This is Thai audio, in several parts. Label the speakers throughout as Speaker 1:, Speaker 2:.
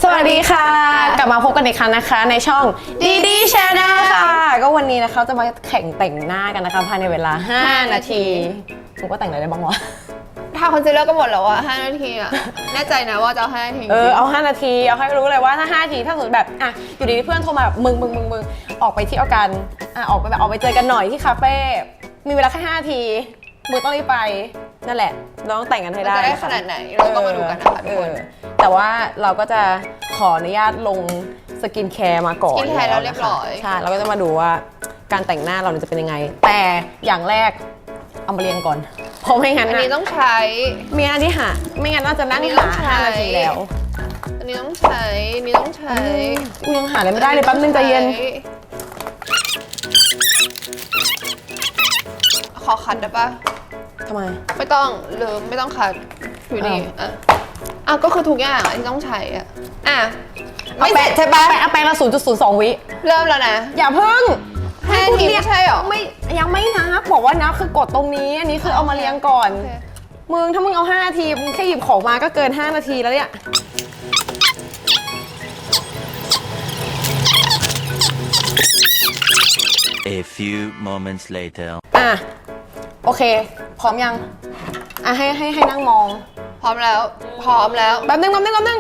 Speaker 1: วัสดีค่ะกลับมาพบกันอีกครั้งนะคะในช่องดีดีชาแนลค่ะก็วันนี้นะคะจะมาแข่งแต่งหน้ากันนะคะภายในเวลา5 นาทีผมก็แต่งอะไรได้บ้างวะ
Speaker 2: ทาคอนซีลเลอร์ก็หมดแล้วอะ5 นาทีอะแน่ใจนะว่าจะเอา5 นาที
Speaker 1: เอา5 นาทีเอาให้รู้เลยว่าถ้า5 นาทีถ้าสมมติแบบอ่ะอยู่ดีๆเพื่อนโทรมาแบบมึงออกไปเที่ยวกันออกไปเจอกันหน่อยที่คาเฟ่มีเวลาแค่5 นาทีมึงต้องรีบไปนั่นแหละเราต้องแต่งกันให้ได้
Speaker 2: จะได้ขนาดไหนเราก็มาดูกันนะคะทุกคน
Speaker 1: แต่ว่าเราก็จะขออนุญาตลงสกินแคร์มาก่อน
Speaker 2: สกินแคร์แล้วเรียบร้อย
Speaker 1: ใช่เราก็จะมาดูว่าการแต่งหน้าเราจะเป็นยังไงแต่อย่างแรกเอามาเรียงก่อนเพราะไม่งั้น
Speaker 2: อันนี้ต้องใช้
Speaker 1: มีอันที่หาไม่งั้นเราจะนั่งหา5 นาทีแล้ว
Speaker 2: อันนี้ต้องใช้นี่ต้องใช้
Speaker 1: กูยังหาอะไรไม่ได้เลยแป๊บนึงใจเย็น
Speaker 2: ขอคัดได้ปะ
Speaker 1: ทำไม
Speaker 2: ไม่ต้องหรือไม่ต้องคัดอยู่นี่อ่ะก็คือทุกอย่างที่ต้องใช้ไม่เสร็จใช่ปะ
Speaker 1: เอาแปรงละ 0.02 วิ
Speaker 2: เริ่มแล้วนะ
Speaker 1: อย่าเพิ่ง
Speaker 2: ให้ทีไม่ใช่หรอ
Speaker 1: ไม่ยังไม่นับบอกว่านับคือกดตรงนี้อันนี้คือเอามาเรียงก่อนมึงถ้ามึงเอา5 นาทีมึงแค่หยิบของมาก็เกิน5 นาทีแล้วเนี่ย
Speaker 3: A few moments later
Speaker 1: โอเคพร้อมยังให้นั่งมอง
Speaker 2: พร้อมแล้ว
Speaker 1: แป๊บนึง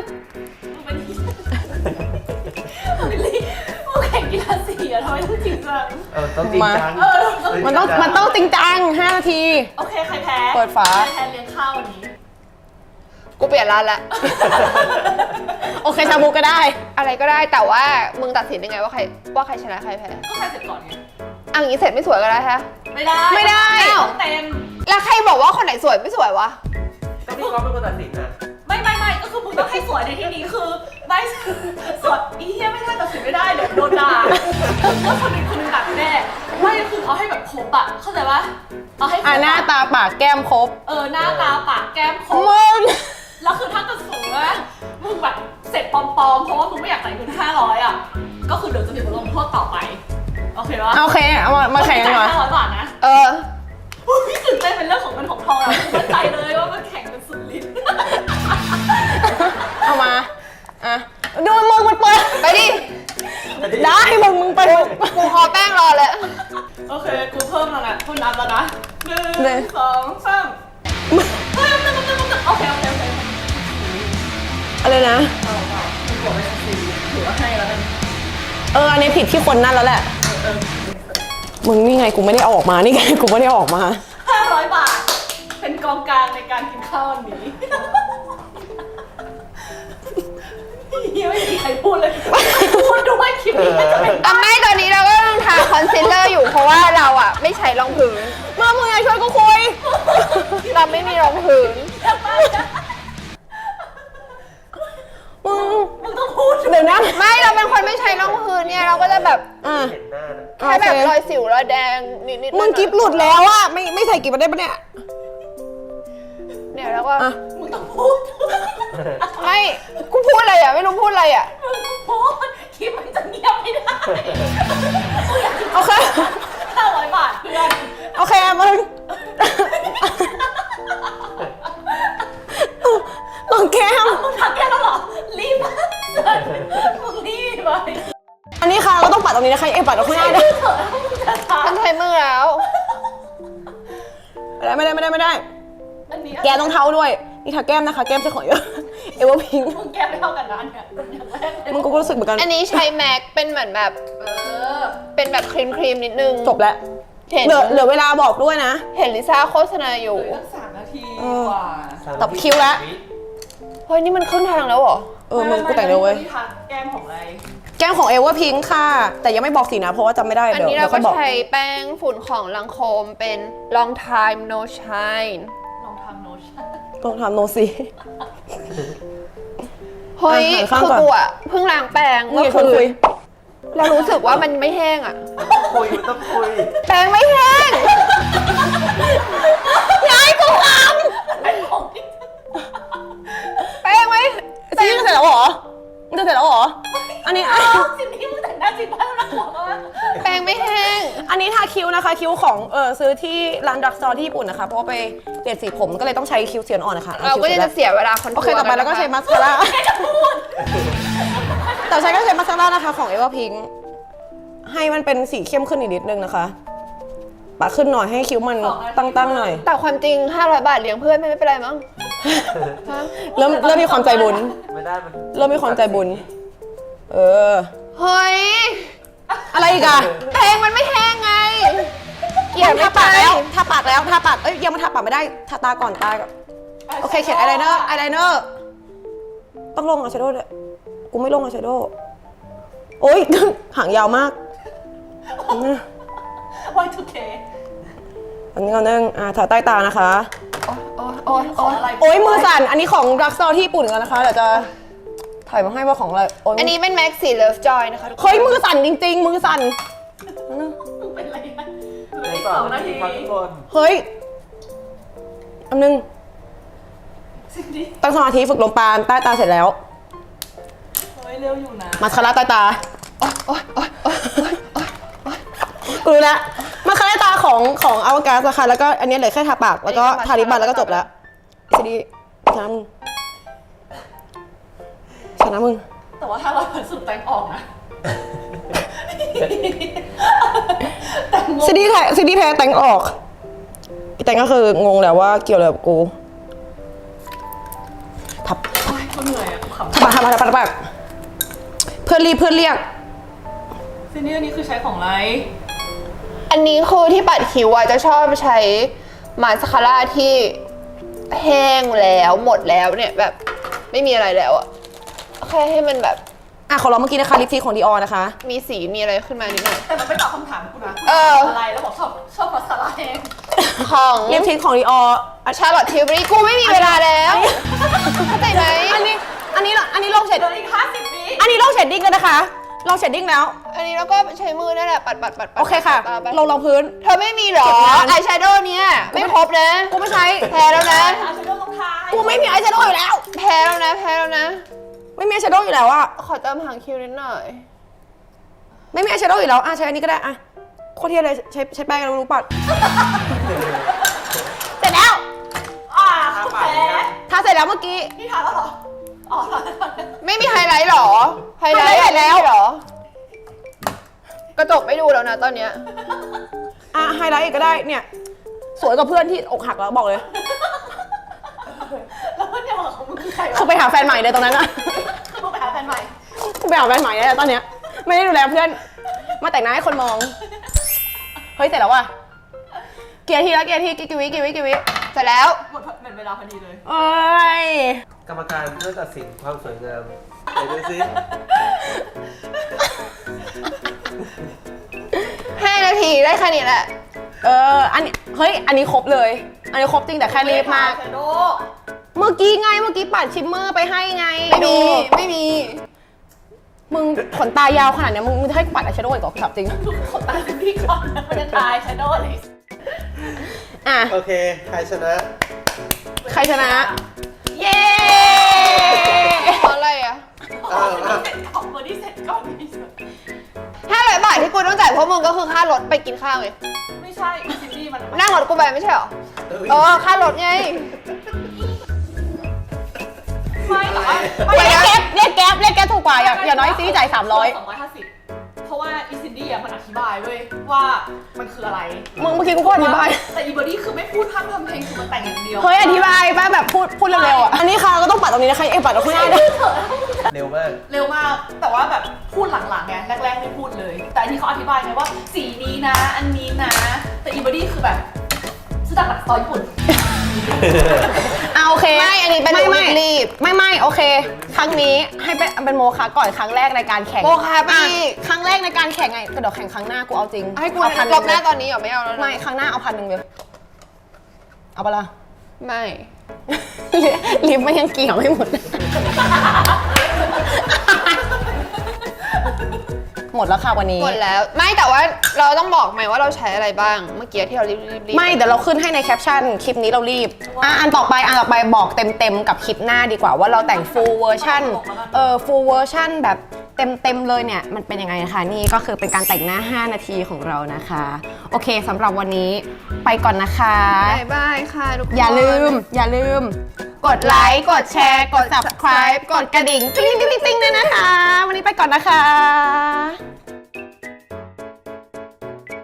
Speaker 4: แข่งกีฬาสีอะทำไมต้องจริงจัง
Speaker 3: ต้องจริงจัง
Speaker 1: มันต้องจริงจัง5 นาที
Speaker 4: โอเคใครแพ้
Speaker 1: เปิดฝา
Speaker 4: ใครแพ้เลี้ยงข้าววันนี้
Speaker 2: กูเปลี่ยนร้านละ
Speaker 1: โอเคชาบูก็ได้
Speaker 2: อะไรก็ได้แต่ว่ามึงตัดสินยังไงว่าใครชนะใครแพ้
Speaker 4: ก็ใครเสร็จก่อนไง
Speaker 2: อย่างนี้เสร็จไม่สวยก็ได้ฮะ
Speaker 4: ไม่ได้เต็ม
Speaker 2: แล้วใครบอกว่าคนไหนสวยไม่สวยวะ
Speaker 3: ก็พี่ก๊อฟเป็นคนตัดสินนะ
Speaker 4: ไม่ก็คือมึงต้องให้สวยในที่นี้คือไม่สวยอีเหี้ยไม่ได้ตัดสินไม่ได้เดี๋ยวโดนด่าว่าคนนึงด่าแน่ไม่คือเอาให้แบบครบอะเข้าใจปะเอาให้
Speaker 1: หน้าตาปากแก้มครบ
Speaker 4: หน้าตาปากแก้มครบ
Speaker 1: มึง
Speaker 4: แล้วคือถ้าเกิดสมมติว่ามึงแบบเสร็จปลอมๆเพราะว่ามึงไม่อยากจ่ายเงิน500อะก็คือเดี๋ยวจะมีบทลงโทษต่อไปโอเคปะ
Speaker 1: โอเคเอามาแข่งกันหน่อย
Speaker 4: 500 บาทนะพี่ตื่นเต้นเป็นเรื่องของเงินของทองแล้วมั่นใจเลยว่ามันแข่งกันสุดฤทธิ์
Speaker 1: เอามาดูมึงมันเปิด
Speaker 2: ไปดิ
Speaker 1: ได้มึงไป
Speaker 2: กูขอแป้งรอเลย
Speaker 4: โอเคกูเพิ่มแล้วนะคนนับแล้วนะ1 2 3โอเค
Speaker 1: อะไรนะ
Speaker 4: ถือว่าให้แล้วกัน
Speaker 1: อันนี้ผิดที่คนนั่นแล้วแหละมึงนี่ไงกูไม่ได้เอาออกมานี่ไงกูไม่ได้เอาออกมา
Speaker 4: 500 บาทเป็นกองกลางในการกินข้าววันนี้ไม่มีใครพูดเลยพูดด้วยคลิปนี้จะเป็น
Speaker 2: ไม่ตอนนี้เราก็ต้องทาคอนซีลเลอร์อยู่เพราะว่าเราไม่ใช้รองพื้น
Speaker 1: มึงไงช่วยกูคุย
Speaker 2: เราไม่มีรองพื้น
Speaker 4: มึงต้องพูด
Speaker 1: เดี๋ยวนะ
Speaker 2: ไม่เราเป็นคนไม่ใช้รองพื้นเนี่ยเราก็จะแบบแค่แบบรอยสิวรอยแดงนิด
Speaker 1: มึงกิ๊บหลุดแล้วอะไม่ใส่กิ๊บมาได้ปะเนี่ย
Speaker 2: แล้วก็
Speaker 4: มึงต้องพูด
Speaker 2: ไม่กูพูดอะไรไม่รู้พูดอะไร
Speaker 4: มึงพูดคลิปมันจะเงียบไม่ได้
Speaker 1: โอเค
Speaker 4: 500 บาทเพื่อน
Speaker 1: โอเคมึงลองแก้ม
Speaker 4: มึงทักแก้มแล้วเหรอรีบมึงรีบไป
Speaker 1: อันนี้ค่ะเราต้องปัดตรงนี้นะคะปัดตรงข้างหน้าด้วย
Speaker 2: ฉันใช้มือแล้ว
Speaker 1: ไม่ได้แกต้องเท้าด้วยนี่ทาแก้มนะคะแก้มใช่ของเยอะเอวพิง
Speaker 4: มึงแก้มไม่เท่ากันนะเนี่ย
Speaker 1: มึงก็รู้สึกเหมือนกัน
Speaker 2: อันนี้ใช้แม็กเป็นเหมือนแบบเป็นแบบครีมนิดนึง
Speaker 1: จบแล้วเหลือเวลาบอกด้วยนะ
Speaker 2: เห็นลิซ่าโฆษณาอยู่
Speaker 4: 3 นาทีกว่า
Speaker 1: ตับคิ้วแล้ว
Speaker 2: เฮ้ยนี่มันขึ้นทางแล้วเหรอ
Speaker 1: มึงกูแต่งเลยเว้ย
Speaker 4: แก้มของอะไร
Speaker 1: แก้มของเอวพิงค่ะแต่ยังไม่บอกสีนะเพราะว่าจำไม่ได้
Speaker 2: อันนี้เราก็ใช้แป้งฝุ่นของลังโคมเป็น long time no shine
Speaker 1: ต้องทำโนซี
Speaker 2: เฮ้ยคือกูเพิ่งล้างแปรงเมื่อคืนเรารู้สึกว่ามันไม่แห้ง
Speaker 3: ต้องคุย
Speaker 2: แปรงไม่แห้ง
Speaker 1: ย้ายกูทำ
Speaker 2: แปรงไหม
Speaker 1: ซีจะเสร็จแล้วเหรอมึงจะเสร็จแล้วเหรออันนี้
Speaker 4: สิ่งที่มึงแต่งหน้าจริงป่ะน่ากลัวมาก
Speaker 2: แปรงไม่แห้ง
Speaker 1: อันนี้ทาคิ้วนะคะคิ้วของซื้อที่ร้านดักซอที่ญี่ปุ่นนะคะเพราะว่าไปเปลี่ยนสีผมก็เลยต้องใช้คิ้วเสียนอ่อนนะคะ
Speaker 2: เราก็จะเสียเวลาคอนทัวร์
Speaker 1: โอเคต่อไปแล้วก็ใช้มัสคาร่าวใช้ก็ใช้มาสคาร่านะคะของ Everpink ให้มันเป็นสีเข้มขึ้นอีกนิดนึงนะคะปะขึ้นหน่อยให้คิ้วมันตั้งๆหน่อย
Speaker 2: แต่ความจริง500 บาทเลี้ยงเพื่อนไม่เป็นไรมั้ง
Speaker 1: เริ่มมีความใจบุญ
Speaker 3: ไม่ได้มัน
Speaker 1: เริ่มมีความใจบุญ เออ
Speaker 2: เฮ้ย
Speaker 1: อะไรอีกอะ
Speaker 2: เพลงมันไม่แห้งไง เกลียด
Speaker 1: ทาปากแล้วทาปากเอ้ยยังมันทาปากไม่ได้ทาตาก่อนตาก่อนโอเคเขียนอายไลเนอร์ต้องลงอายแชโดว์ด้วยกูไม่ลงอายแชโดว์โอ๊ย หางยาวมาก
Speaker 4: Y2K
Speaker 1: อันนี้ก่อนนึงทาใต้ตานะคะ
Speaker 2: โอ๊ย
Speaker 4: ของอะไร
Speaker 1: โอ๊ยมือสั่นอันนี้ของรักซอที่ญี่ปุ่นกันนะคะเดี๋ยวจะถ่ายมาให้ว่าของอะไรโอ๊ย
Speaker 2: อันนี้เป็น Maxi Love Joy นะคะทุกคน
Speaker 1: เฮ้ยมือสั่นจริงๆมือสั่น
Speaker 4: เป็นอะไรนะเหลือ
Speaker 3: ใน
Speaker 4: อีก
Speaker 3: สอ
Speaker 4: 2 นาที
Speaker 3: ครับทุกคน
Speaker 1: เฮ้ยอันนึง
Speaker 4: สิ่งนี้
Speaker 1: ตั้งสมาธิฝึกลมปราณใต้ตาเสร็จแล้ว
Speaker 4: เฮ้ยเร็วอยู่นะ
Speaker 1: มาสคาร่าใต้ตากูรู้แล้วมาสคาร่าตาของอวกาศนะคะแล้วก็อันนี้เหลือแค่ทาปากแล้วก็ทาลิปมันแล้วก็จบแล้วซีดีชนะมึง
Speaker 4: แต่ว่าถ้าเราผสมแต่งออกนะแต่งงง
Speaker 1: ซีดีแพ้แต่งออกพี่แต่งก็คืองงแล้วว่าเกี่ยวอะไรกับกูทับ
Speaker 4: โอ๊ยก็เหนื่อยอะกูขำ
Speaker 1: ทับปากเพื่อนเรียก
Speaker 4: ซีนี่อันนี้คือใช้ของอะไร
Speaker 2: อันนี้คือที่ปัดคิ้วอะจะชอบใช้มาสคาร่าที่แห้งแล้วหมดแล้วเนี่ยแบบไม่มีอะไรแล้วอะแค่ให้มันแบบ
Speaker 1: ขอลองเมื่อกี้นะคะลิปสติกของดีออนะคะ
Speaker 2: มีสีมีอะไรขึ้นมานิดหน่อย
Speaker 4: แต่มันไม่ตอบคำถามกูนะ
Speaker 2: เออ
Speaker 4: อะไรแล้วบอกชอบภาษาอะไรเอง
Speaker 2: ของ
Speaker 1: ลิปสติกของดีออ
Speaker 2: ชาร์ลอตทิวบรีกูไม่มีเวลาแล้วเข้าใจไหม
Speaker 1: อันนี้ลงเฉด
Speaker 4: เหลืออีก50 วิ
Speaker 1: อันนี้ลงเฉดดิ้งกันนะคะลงเฉดดิ้งแล้ว
Speaker 2: อันนี้แล้วก็ใช้มือนั่นแหละปัด
Speaker 1: โอเคค่ะ
Speaker 2: ตาไป
Speaker 1: ลงพื้น
Speaker 2: เธอไม่มีเหรอ
Speaker 1: เก็บงาน
Speaker 2: อายแชโดว์เนี่ยไม่ครบนะ
Speaker 1: กูไม่ใช้
Speaker 2: แพ้แล้วนะ
Speaker 4: อาชโดว์ลงท้าย
Speaker 1: กูไม่มีอายแชโดว์อยู่แล้ว
Speaker 2: แพ้แล้วนะ
Speaker 1: ไม่มีอายแชโดว์อยู่แล้วอะ
Speaker 2: ขอเติมหางคิ้วนิดหน่อย
Speaker 1: ไม่มีอายแชโดว์อยู่แล้วใช้อันนี้ก็ได้โคตรเทียเลยใช้แป้งกันรู้ปัด เสร็จแล้ว
Speaker 4: กูแพ้
Speaker 1: ทาเสร็จแล้วเมื่อกี้
Speaker 4: นี่ทานแล้วเหรอ อ๋อ
Speaker 2: ไม่มีไฮไลท์หรอ ไฮไลท์
Speaker 1: ไฮไลท์แล้ว
Speaker 2: ไม่มีหรอ กระจกไม่ดูแล้วนะตอนเนี้ย
Speaker 1: ไฮไลท์อีกก็ได้เนี่ย สวยกว่าเพื่อนที่อกหักแล้วบอกเลย
Speaker 4: แล้วเพื่อนเดียวของมึงคือใคร
Speaker 1: คือ
Speaker 4: วะ
Speaker 1: ไปหาแฟนใหม่เลยตรงนั้นอะ
Speaker 4: คือมึงไปหาแฟนใหม่
Speaker 1: ไปหาแฟนใหม่เลยตอนเนี้ยไม่ได้ดูแลเพื่อน มาแต่งหน้าให้คนมอง เฮ้ยเสร็จแล้วว่ะเกียร์ทีกี่วิ
Speaker 2: เสร็จแล้ว
Speaker 4: หมดเวลาพอดีเลย
Speaker 1: เอ้ย
Speaker 3: กรรมการเพื่อตัดสินความสวยงามไหนดูซิ
Speaker 2: 5 นาทีได้แค่นี้แหละ
Speaker 1: อันนี้เฮ้ยอันนี้ครบเลย อันนี้ครบจริงแต่แค่รีบมาก
Speaker 4: ชโด
Speaker 1: เมื่อกี้ปัดชิมเมอร์ไปให้ไง
Speaker 2: ไม่มี
Speaker 1: มึงขนตายาวขนาดเนี้ยมึงจะให้กูปัดอายแชโดว์อีกเหรอถามจริง
Speaker 4: ขนตาซิมพี่ก่อนมันจะตายชโดเลย
Speaker 1: อ่ะ
Speaker 3: โอเคใครชนะ
Speaker 1: ใครชนะ เย้
Speaker 2: เพราะอะไรอะ
Speaker 4: ของเบอร์ดี้เสร็จก่อนนี่สุด
Speaker 2: 500 บาทที่กูต้องจ่ายเพราะมึงก็คือค่ารถไปกินข้าวไง
Speaker 4: ไม่ใช่ซินดี้มัน
Speaker 2: นั่งรถกูไปไม่ใช่หรอ ค่ารถไง
Speaker 4: ไม่แต่ว่า
Speaker 1: เรียกแก๊ปถูกกว่าอย่าน้อยซีจ่าย300
Speaker 4: 250เพราะว่าอีซินดี้อ่ะมันอธิบายเว้ยว่ามันคืออะไร
Speaker 1: มึงเมื่อกี้กูก็อธิบาย
Speaker 4: แต่อีเบอร์ดี้คือไม่พูดพร่ำทำเพลงคือมันแต่งอย่างเดียว
Speaker 1: เฮ้ยอธิบายป้าแบบพูดเร็วๆอ่ะ อันนี้ค่ะก็ต้องปัดตรงนี้นะคะปัดตรงข้างหน้าด้วย
Speaker 3: เร็วมาก
Speaker 4: เร็วมากแต่ว่าแบบพูดหลังๆไงแรกๆไม่พูดเลย แต่อันนี้เขาอธิบายไงว่าสีนี้นะ อันนี้นะ แต่อีเบอร์ดี้คือแบบซื้อจากหลักซอยญี่ปุ่น
Speaker 1: โอเค
Speaker 2: ไม่อันนี้เป็น
Speaker 1: ไม่
Speaker 2: รีบ
Speaker 1: ไม่โอเค ครั้งนี้ให้เป็นโมคะก่อนครั้งแรกในการแข่ง
Speaker 2: โมคะไป
Speaker 1: อ่
Speaker 2: อีก
Speaker 1: ครั้งแรกในการแข่งไงกระโดดแข่งครั้งหน้ากูเอาจริง
Speaker 2: ให้กู
Speaker 1: เอา1,000
Speaker 2: ลบหน้าตอนนี้เหรอไม่เอาแล้วนะ
Speaker 1: ไม่ครั้งหน้าเอา1,000เลยเอาปะล่ะ
Speaker 2: ไม่
Speaker 1: ลิฟต์มันยังเกี่ยวไม่หมด หมดแล้วค่ะวันนี้
Speaker 2: หมดแล้ว ไม่แต่ว่าเราต้องบอกไหมว่าเราใช้อะไรบ้าง เมื่อกี้ที่เรารีบ
Speaker 1: ไม่เดี๋ยวเราขึ้นให้ในแคปชั่นคลิปนี้เรารีบอันต่อไปบอกเต็มกับคลิปหน้าดีกว่าว่าเราแต่ง full version full version แบบเต็มเลยเนี่ยมันเป็นยังไงนะคะนี่ก็คือเป็นการแต่งหน้า 5 นาทีของเรานะคะ โอเคสำหรับวันนี้ไปก่อนนะคะ
Speaker 2: บายบายค่ะทุกคน
Speaker 1: อย่าลืม กดไลค์ กดแชร์ กด subscribe กดกระดิ่งติ๊งติ๊งติ๊งด้วยนะคะ วันนี้ไปก่อนนะคะ